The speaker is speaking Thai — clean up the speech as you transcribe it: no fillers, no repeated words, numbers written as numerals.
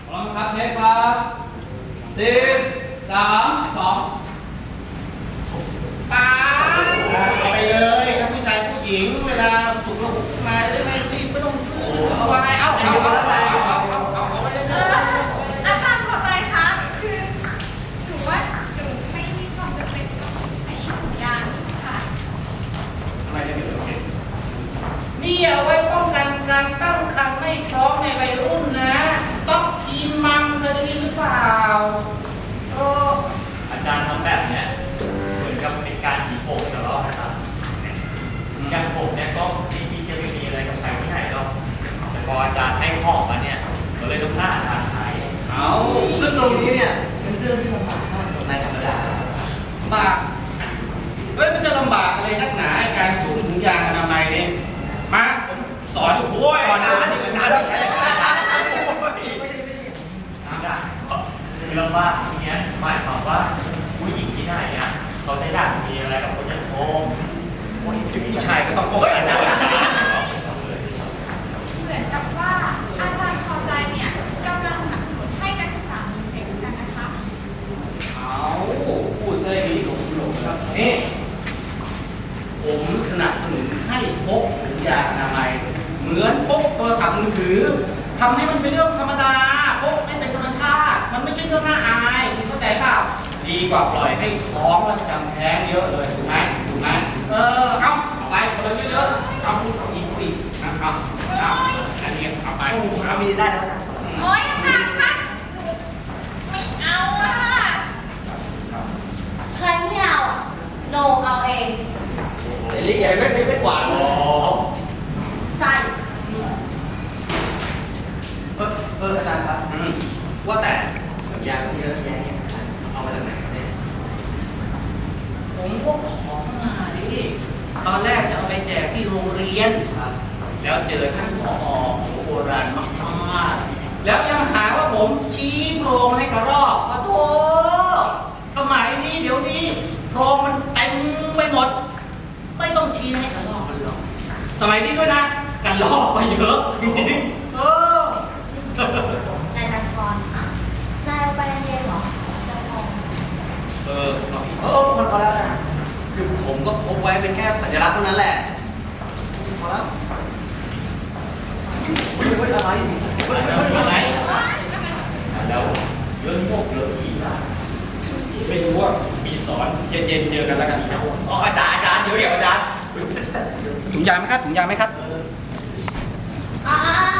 พร้อมครับเทคครับ10 3 2 ป้าเอาไปเลยถ้าผู้ชายผู้หญิงเวลาฉุกละหุกมาได้ไหมรีบไม่ต้องซื้อเอาไว้เอาไปเลยอาจารย์พอใจคะคือหนูว่าหนูไม่มีความจำเป็นต้องใช้ถุงยางค่ะทำไมจะไม่เหลือนี่เอาไว้ป้องกันการตั้งครรภ์ไม่พร้อมในวัยรุ่นนะสต็อกทีมมัมเคยได้ยินหรือเปล่าโอ้อาจารย์ทำแบบเนี้ยเหมือนกับเป็นการฉีกผมตลอดนะครับอย่างผมเนี่ยก็จริงๆจะไม่มีอะไรกับใครที่ไหนหรอกแต่พออาจารย์ให้ของมาเนี่ยก็เลยต้องพลาดอาจารย์ใช้เอาซึ่งตรงนี้เนี่ยเป็นเรื่องที่ลำบากมากในธรรมดาลำบากเฮ้ยมันจะลำบากอะไรนักหนาการสวมถุงยางอนามัยเนี่ยมาผมสอนโอ้ยอาจารย์ไม่ใช่อาจารย์คือลำบากทีเนี้ยหมายความว่าผู้หญิงที่ไหนอ่ะเขาได้อยากมีอะไรกับคนอย่างผมผู้ชายก็ต้องป้องกันอาจารย์เหมือนกับว่าอาจารย์พอใจเนี่ยกำลังสนับสนุนให้นักศึกษามีเซ็กส์กันนะคะเอาพูดซะอย่างนี้ผมหลงครับนี่ผมสนับสนุนให้พกถุงยางอนามัยเหมือนพกโทรศัพท์มือถือทำให้มันเป็นเรื่องธรรมดาพกให้เป็นธรรมชาติมันไม่ใช่เรื่องน่าอายคุณเข้าใจเปล่าดีกว่าปล่อยให้ท้องแล้วจำแท้งเยอะเลยถูกไหมเอาไปคนละเยอะๆเอาอีกนะครับเอาอันนี้เอาไปทำดีได้แล้วจ้ะโอ๊ยอาจารย์คะหนูไม่เอาอะค่ะใครไม่เอาโนเอาเองเดี๋ยวใหญ่ไม่กวาดเลยใส่อาจารย์ครับว่าแต่ถุงยางที่เยอะแยะเนี่ยเอามาจากไหนเนี่ยผมพกของมาดิตอนแรกจะเอาไปแจกที่โรงเรียนครับแล้วเจอท่านผอโบราณมากๆแล้วยังหาว่าผมชี้โพรงให้กระรอกโอ้โธ่สมัยนี้เดี๋ยวนี้โพรงมันเต็มไปหมด ไม่ต้องชี้ให้กระรอกมันหรอกสมัยนี้ด้วยนะกระรอกไปเยอะจริงๆนายนันทรนายเอาไปเรียนเหรอนันทรมันพอแล้วนะคือผมก็พกไว้เป็นแค่สัญลักษณ์เท่านั้นแหละพอแล้วเฮ้ยอะไรอะไรแล้วเรื่องพวกเรื่องอีกนะไม่รู้ว่ามีสอนเย็นๆเจอกันแล้วกันนะอ๋ออาจารย์เดี๋ยวอาจารย์ถุงยางไหมครับถุงยางไหมครับอ่า